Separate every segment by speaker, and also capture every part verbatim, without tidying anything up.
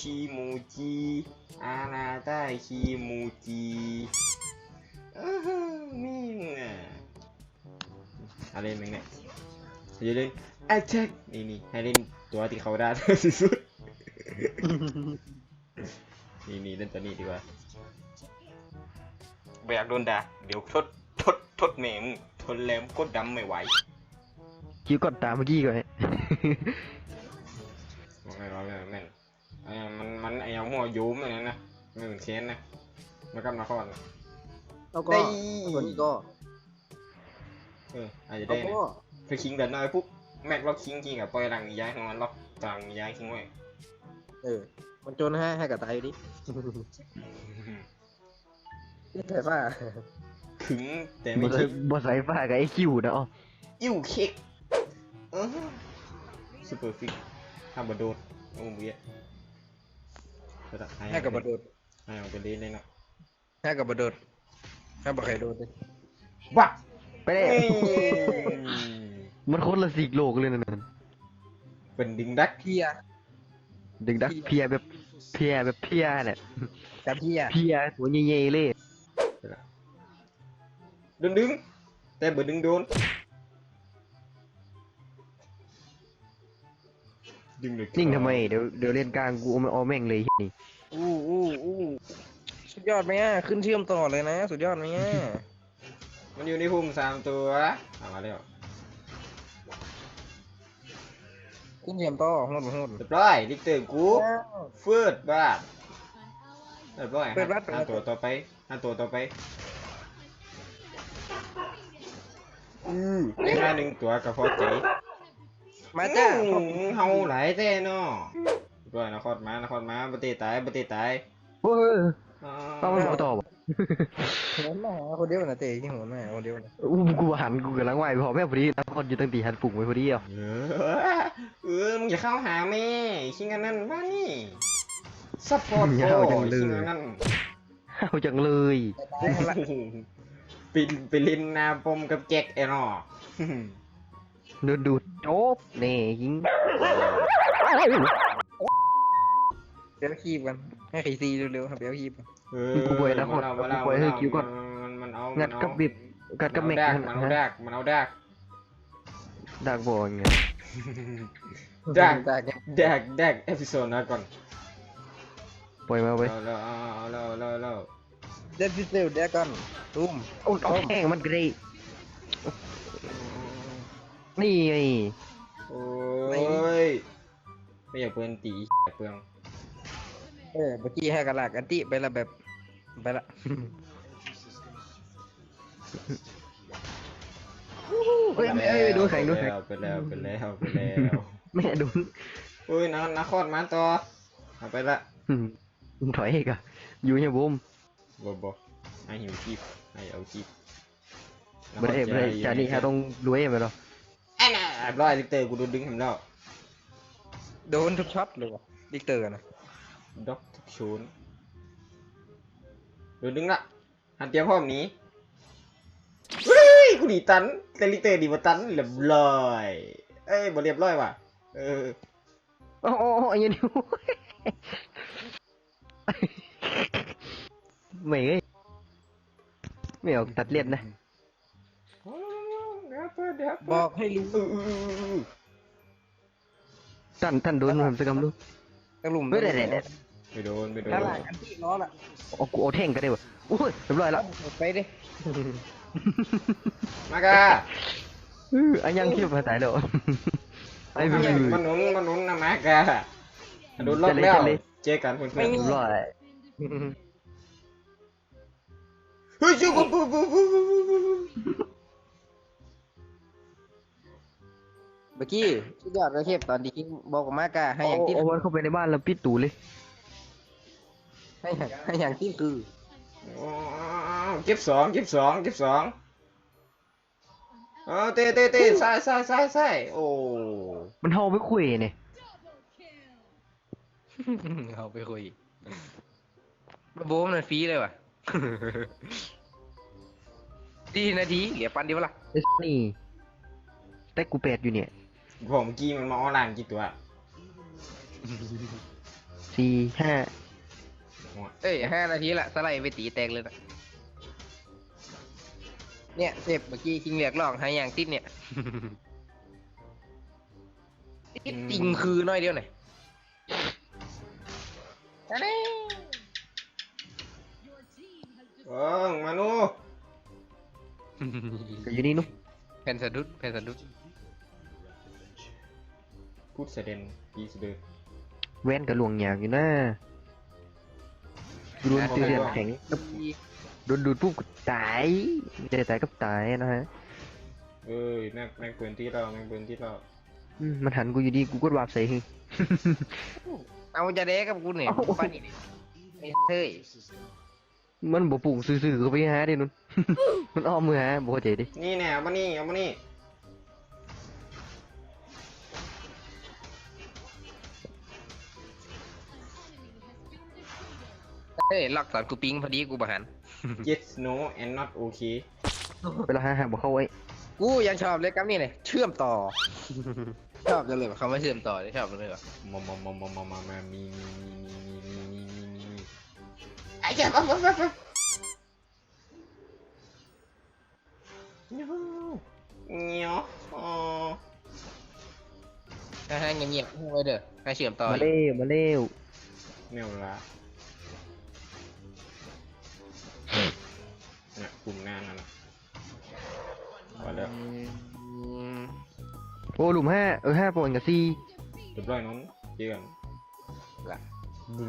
Speaker 1: คีมูจิอาณาใต้คีมูจินี่น่ะอะไรมึงเนี่ยจะเล่นแอคแท็กนี่นี่ให้เล่นตัวที่เขาได้ที่สุดนี่นี่เล่นตัวนี้ดีกว่าแบกโดนด่าเดี๋ยวทดทดทดเมมทนแรมกดดำไม่ไหว
Speaker 2: คิวกดตามเมื่อกี้ก่อน
Speaker 1: ไม่ร้อยเลยแม่นไอ้มันมันไอ้หัวยุ้มอะไรนะไม่เหมือนเชนนะมันกำลังคอน
Speaker 3: แล้วก็ตัวนี้ก็
Speaker 1: เอออาจจะได้นะคือคิงเดินหน้าไปปุ๊บแม็กล็อกคิงจริงกับปล่อยหลังย้ายของมันล็อกต่างย้ายคิงไว้
Speaker 3: เออมันจนให้ให้กับตายอยู่ดินี่ใส่ฟ้า
Speaker 1: ถึงแต่ไม่คิด
Speaker 2: บอสไซฟ้ากับไอคิวนะอ๋อ
Speaker 1: อิ่วเค้กเออซูเปอร์ฟิกทำบดโดดโอ้เบี้ย
Speaker 3: ให้กับบดโดด
Speaker 1: ให้เอาไปเล่นเลยเนาะ
Speaker 3: ให้กับบดโดดให้บักไข่โดดเลย
Speaker 1: บ้า
Speaker 2: ไปเลยมันคนละสีโลกเลยนั่น
Speaker 1: เป็นดึงดัก
Speaker 3: เพีย
Speaker 2: ดึงดักเพียแบบเพียแบบเพียเนี่ย
Speaker 3: กับเพีย
Speaker 2: เพียหัวเย่ๆเลย
Speaker 1: ดึงดึงแต่เบิดดึงโดน
Speaker 2: นิ่งทำไมเดี๋ยวเดี๋ยวเล่นกลางกูเอาแม่งเลยนี่
Speaker 3: อู้อู้อู้สุดยอดไหมอ่ะขึ้นเชื่อมต่อเลยนะสุดยอดไหมอ่ะ
Speaker 1: มันอยู่ในพุ่มสามตัวเอามาเร็ว
Speaker 3: ขึ้นเชื่อมต่อหุ่นหุ่น
Speaker 1: เรียบร้อยดิกเตอร์กูเฟิร์ดบ้าเรียบร้อยห้าตัวต่อไปห้าตัวต่อไปอือได้มาหนึ่งตัวกับพอใจ
Speaker 3: มาจ้า
Speaker 1: เฮาหลายแท้เนาะด้วยนครมานครมาปฏิตายปฏิตาย
Speaker 2: เฮ้ยต้องมันต่อบ่
Speaker 3: หัวแม่คนเดียวนะเตะที่หัวแม่คนเดียวนะ
Speaker 2: อู้กูหันกูกำลังไหวพอแม่พอดีนครอยู่ตั้งตีหันปุ่งไว้พอดีอ่ะ
Speaker 1: เออมึงอย่าเข้าหาแม่ชิงกันนั่นว่านี่ซัพพอร์ตโอ้ชิงกันนั่น
Speaker 2: เอาจังเลย
Speaker 1: ไปไปเล่นนาปมกับแจ็คไอ้หนอ
Speaker 2: ดูดูโจ๊บนี่ยิง
Speaker 3: เดี๋ยวคีบกันให้ใครซีเร็วๆครับเดี๋ยวคีบ
Speaker 1: เออกู
Speaker 2: ป่วยนะคนกูป่วยให้คิวก่อน
Speaker 1: มันเอา
Speaker 2: งัดกับบิบงัดกับเมก
Speaker 1: มันเอาดักมันเอาดัก
Speaker 2: ดักบอลไง
Speaker 1: ดักดักดักดักเอพิโซดนะก่อน
Speaker 2: ปล่อยมาไป
Speaker 1: แล้วแล้วแล้วแล้ว
Speaker 3: เด็ดพิเศษเด็กก่อนตุ้ม
Speaker 2: โอ้ยแห้งมันกระดิ่นี่ไง
Speaker 1: โอ้ยไม่อยากเปลืองตีเปลือง
Speaker 3: เออเมื่อกี้ให้กระลากอันติไปละแบบไปละ
Speaker 2: เฮ้ยเอ้ยดูแข่งดูแข่ง
Speaker 1: ไปแล้วไปแล้วไปแล้ว
Speaker 2: แม่ดู
Speaker 1: โอ้ยนักนักคอดมาต่อเอาไปละ
Speaker 2: มึงถอยอีกอะอยู่เนี่ยบุ้ม
Speaker 1: บ่บ่ให้หิวจีบให้เอาจีบ
Speaker 2: ไม่ได้ไม่ได้จานี่ฮะต้องรวยไปหรอ
Speaker 1: ไอ้น่ะร้อยลิเตอร์กูโดนดึงเห็นแล้ว
Speaker 3: โดนทุกช็อตเลยวะลิเตอร์นะ
Speaker 1: ด็อกทุกชูนโดนดึงละหันเตรียมพร้อมนี้เฮ้ยกูดีตันแต่ลิเตอร์ดีมาตันเรียบร้อยเอ้ยบ่เรียบร้อยว่ะเออ
Speaker 2: โอ้โหอย่างนี้ไม่เอ้ยไม่ออกตัดเลียดนะ
Speaker 3: บอกให้รู้
Speaker 2: ท่านท่านโดนมันสักคำดู
Speaker 3: กระหลุม
Speaker 2: ไม่ได้ไม่ได้
Speaker 1: ไม่โดนไม่โดน
Speaker 3: กระหล่ำอันที่ล้อละ
Speaker 2: โอ้กูเอาแท่งก็ได้วะอุ้ยเรียบร้อยแล้ว
Speaker 3: ไปดิ
Speaker 1: มากะ
Speaker 2: เอออันยังคิดภาษาเดียว
Speaker 1: ไอ้มันมันหนุนมันหนุนนะมากะโดนล็อกแล้วเจอกันเพื่อนๆเรียบร้อยเฮ้ยจูบปุ๊บปุ๊บปุ๊บ
Speaker 3: เมื่อกี้สุดยอดเลยเทพตอนที่บอกกับมากะให้อย่างที่
Speaker 2: เอาวันเข้าไปในบ้านแล้วปิดตูเลย
Speaker 3: ให้อย่างให้อย่างที่คือ
Speaker 1: เก็บสองเก็บสองเก็บสองเออเตะเตะเตะใส่ใส่ใส่ใส่โอ้
Speaker 2: มันเฮาไปคุยเนี่ย
Speaker 3: เฮาไปคุยมาโบ้มันฟรีเลยว่ะดีนาทีเหลือปันเดียวละ
Speaker 2: นี่แต่กูแปดอยู่เนี่ย
Speaker 1: ผมกี้มันมาออนไลน์กี่ตัว
Speaker 2: สี่ห้า
Speaker 3: เอ้ยห้านาทีละสไลด์ไปตีแตกเลยนะเนี่ยเจ็บเมื่อกี้คิงเรียกร้องหาอย่างติดเนี่ยติดจริงคือน้อยเดียวหน่อย
Speaker 1: เออมานู
Speaker 2: ก็อยู่นี่นุ๊ก
Speaker 3: แผ่นสะดุดแผ่นสะดุด
Speaker 1: พูดเสด็นปีสเดอร์
Speaker 2: แว่นกับหลวงหยางอยู่นะโดนตีเรียนแข็งโดนดูดปุ๊บก็ตายไม่ได้ตายก็ตายนะฮะ
Speaker 1: เอ้ยแม่งแม่งปืนที่เราแม่งปืนที่เรา
Speaker 2: อืมมันหันกูอยู่ดีกูกดวาบใส่ฮึ
Speaker 3: เอาจะเด้กับกูเนี่ยปานี่ไอ้เฮ้ย
Speaker 2: มันบ่ปุ่งซื่อๆก็ไปหาดินุ่น มันอ้อมมือหาบ่เข้าใจดิ
Speaker 1: นี่แน่เอามานี่เอามานี่
Speaker 3: เฮ้ยล็อกสอนกูปิงพอดีกูบหัน
Speaker 1: yes no and not okay
Speaker 2: เวลาหาหาบ่เข้าไว้
Speaker 3: กูยังชอบเลยกับนี่เลยเชื่อมต่อ ชอบจังเลยเขาไม่เชื่อมต่อเลยชอบจังเลยว่ะ
Speaker 1: มามามามามามามามีมีมีมีมีมีมีมีมีไอ้เจ้าปั๊บปั๊บปั๊บปั๊บเงี้ยวอ๋อ
Speaker 3: ให้ให้เงียบๆไว้เด้อให้เชื่อมต่อ
Speaker 2: มาเร็วมาเร็ว
Speaker 1: แนวละเนี่ยกลุ่มหน้านั่นน่ะพอแล้ว
Speaker 3: อืม
Speaker 2: โอ้หลุมห้าเออห้าปอนกับสี่
Speaker 1: เรียบร้อยน้องเจอกัน
Speaker 3: ละ
Speaker 1: บู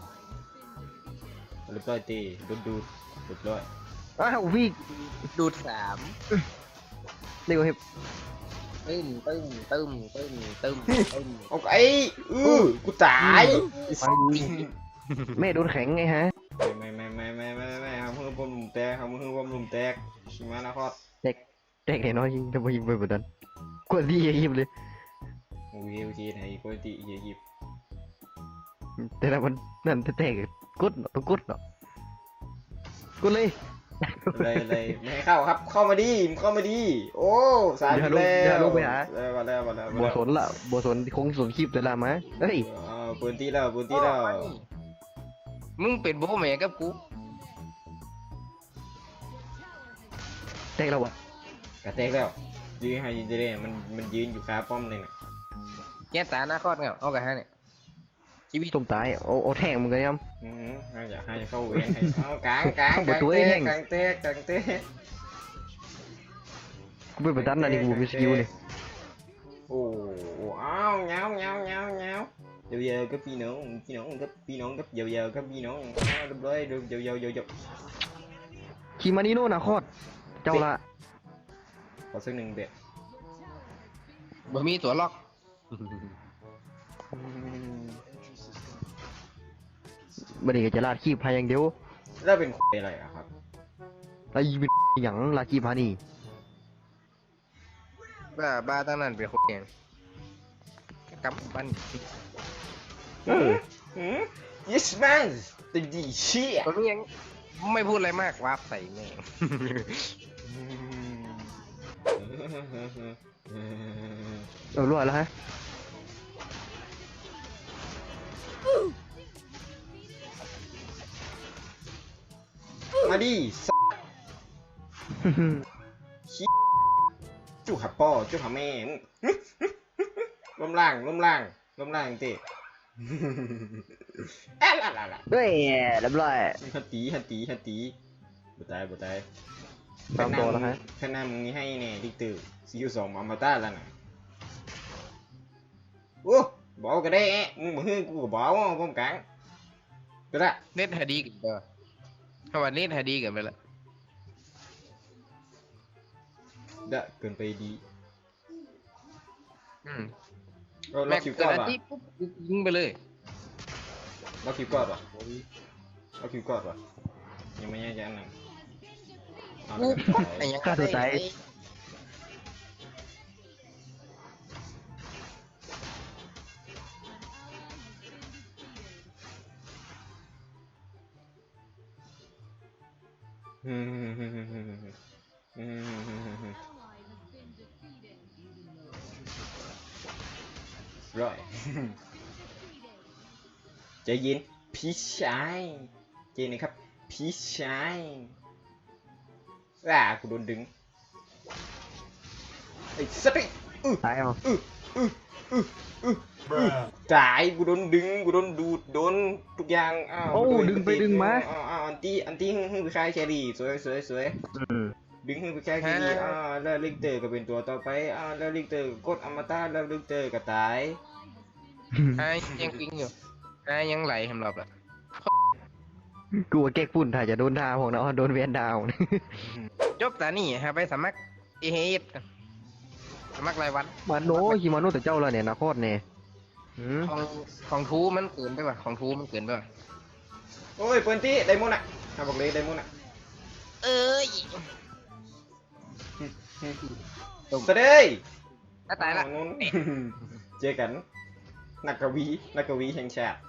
Speaker 1: เรียบร้อยตีดูดดูดเรียบร้อย
Speaker 2: อ้าวพี่
Speaker 3: ดูดสาม
Speaker 2: เร็วเห็บ
Speaker 3: ตึ้มตึ้มตึ้มตึ้มตึ้มตึ้ม
Speaker 1: โอเคอือกูตาย
Speaker 2: แม่โดนแข็งไงฮะ
Speaker 1: ไม่ไม่ไม่ไม่ไม่ไม่ไม่ครับมือบอมหลุมแตกครับมือบอมหลุมแตกชิมานะคร
Speaker 2: แตกแตกแน่นอนยิงจะไปยิงไปแบบนั้นกดดีอย่ายิบเลย
Speaker 1: โอเคโอเคไหนปกติเฮียหยิบ
Speaker 2: แต่ละมันนั่นแตกกดเนาะต้องกดเนาะกดเลย
Speaker 1: เลยเลยไม่ให้เข้าครับเข้ามาดีเข้ามาดีโอ้สายแล้วแล้วมาแล้วมาแล้ว
Speaker 2: บัวสนละบัวสนคงสนคลิปแต่ละมาเฮ้ย
Speaker 1: อ่าปืนตีแล้วปืนตีแล้ว
Speaker 3: มึงเป็นโบแม่กับกู
Speaker 2: แตกแล้ววะ
Speaker 1: กระแตกแล้วยืนให้ยืนจะได้มันมันยืนอยู่คาป้อมเลยน่ะ
Speaker 3: แก้ตาหน้าคอดเงาเอากันฮะเนี่ยชีวิต
Speaker 2: ต้มตายโอ้โอ้แทงมึงกันยัง
Speaker 1: อืมให้อยากให้เข้าเวรให้เอากลางกลางกลางเตะกลางเตะกลางเตะ
Speaker 2: กูเป็นแบบนั้นนะนี่กูมีสกิลนี่
Speaker 1: โอ้อ้าวเงาเงาเงาเงาเดี๋ยวเดี๋ยวก็พี่น้องพี่น้องก็พี่น้องก็เดี๋ยวเดี๋ยวก็พี่น้องเรียบร้อยเดี๋ยวเดี๋ยวเดี๋ยวเดี๋ยว
Speaker 2: คิมานิโน่นะโคตรเจ้าละ
Speaker 1: ขอสักหนึ่งเบ็ด
Speaker 3: บ่มีตัวล็อก
Speaker 2: บันนี้ก็จะลาดขี้พายอย่างเดียว
Speaker 1: แล้วเป็นอะไรอะครับ
Speaker 2: ไอ้เป็นหยังลาดขี้พานี่
Speaker 3: บ้าบ้าตั้งนั้นเป็นคนเองกำปั้น
Speaker 1: เออ yes man เต็มที่เชี่ย
Speaker 3: ตอนนี้ยังไม่พูดอะไรมากวาบใส่แม่ง
Speaker 2: เออรอดแล้วฮะ
Speaker 1: มาดิจุกหับป้อจุกหับแม่ล้มล่างล้มล่างล้มล่างเตะอะละละละ
Speaker 2: เฮ้ยเรียบร้อย
Speaker 1: ฮัตตีฮัตตีฮัตตีบุตายบุตาย
Speaker 2: ตามตัวแล้วฮะ
Speaker 1: ขนาดมึงนี่ให้เนี่ยดิตือซีอูสองอมตะแล้วนะโอ้บอกก็ได้มึงบอกให้กูก็บอกว่าป้องกันก็ได้
Speaker 3: เน็ตฮดีกันเด้อเพราะว่าเน็ตฮดีกันไปละ
Speaker 1: ได้เกินไปดี
Speaker 3: อืม
Speaker 1: เราเรา
Speaker 3: แม็ก
Speaker 1: คิว
Speaker 3: เกิ
Speaker 1: ก่
Speaker 3: ด
Speaker 1: อน
Speaker 3: อา
Speaker 1: ป่ะ
Speaker 3: ทิตย์ปุ๊บยิงไปเลย
Speaker 1: เราคิวก่อนป่ะเราคิวก่อนป่ะยังไม่แน่ใจอันนั้นเอา
Speaker 3: กู
Speaker 1: แล้วกัน
Speaker 3: ไอ้ยัง
Speaker 2: ฆ่าตัวตาย
Speaker 1: อืมอืมอืมอืมอืมอืมอืมร้อยใจเย็นพี่ชายเจนนะครับพี่ชายอ่ากูโดนดึงไอ้สัตว์
Speaker 2: ตายเอา
Speaker 1: ตายกูโดนดึงกูโดนดูดโดนทุกอย่างอ้าว
Speaker 2: โอ้
Speaker 1: กูโน
Speaker 2: ดึงไปดึงมา
Speaker 1: อ้าวอ้าวอันตี้อันตี้ฮึ่งฮึ่งไปคายแครี่สวยสวยสวย
Speaker 2: อืม
Speaker 1: ดึงฮึ่งไปคายแครี่อ้าวแล้วลิกเตอร์ก็เป็นตัวต่อไปอ้าวแล้วลิกเตอร์กดอมตะแล้วลิกเตอร์ก็ตาย
Speaker 3: ไอ้ยังปิ้งอยู่ไอ้ยังไหลสำหรับอ่ะ
Speaker 2: กูว่าแก๊กฝุ่นถ้าจะโดนดาวของเนาะโดนเวียนดาว
Speaker 3: จบแต่นี่ฮะไปสมัครเอเฮดสมัครรายวัน
Speaker 2: มาโนฮิมาโนแต่เจ้าแล้วเนี่ยนาโคตรเนี่ยอืม
Speaker 3: ของของทูมันเกินไปป่ะของทูมันเกินไปป่ะ
Speaker 1: โอ้ยเปิดตี้ไดมอนด์อ่ะอ่ะบอกเลยไดมอนด์อ่ะ
Speaker 3: เอ้ย
Speaker 1: สวัสดี
Speaker 3: ถ้าตายละ
Speaker 1: อ้วนู้น เจอกันนักกวีนักกวีแห่งชาติ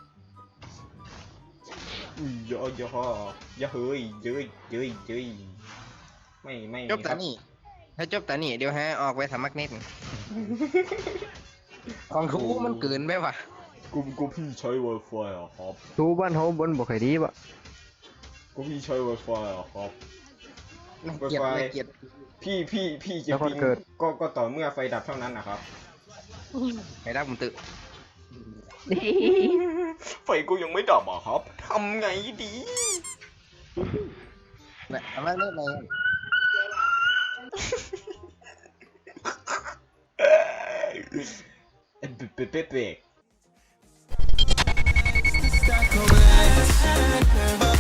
Speaker 1: อุ้ยย่อย่อย่อเฮ้ยเย้ยเย้ยเย้ยไม่ไม่
Speaker 3: จบ
Speaker 1: ค
Speaker 3: แต่
Speaker 1: รับ
Speaker 3: นี่ถ้าจบแต่นี่เดี๋ยวฮะออกไปสมัครเน็ตของทูมันเกินไปป่ะ
Speaker 1: กูกูพี่ใช้ Wi-Fi อ่ะครับ
Speaker 2: ทูบ้านเฮาบนบ่ค่อยดีบ่
Speaker 1: กูพี่ใช้ Wi-Fi อ่ะครับ
Speaker 3: น่าเกลียดน่าเกลียด
Speaker 1: พี่พี่พี่จะพิงก็ก็ต่อเมื่อไฟดับเท่านั้นนะครับ
Speaker 3: ไอ้ดักผมตึก
Speaker 1: ไฟกูยังไม่ดับอ่ะครับทำไงดี
Speaker 3: นะสมัครเน็ตเลย
Speaker 1: เป๊ะเป๊ะเป๊ะ
Speaker 4: Stuck over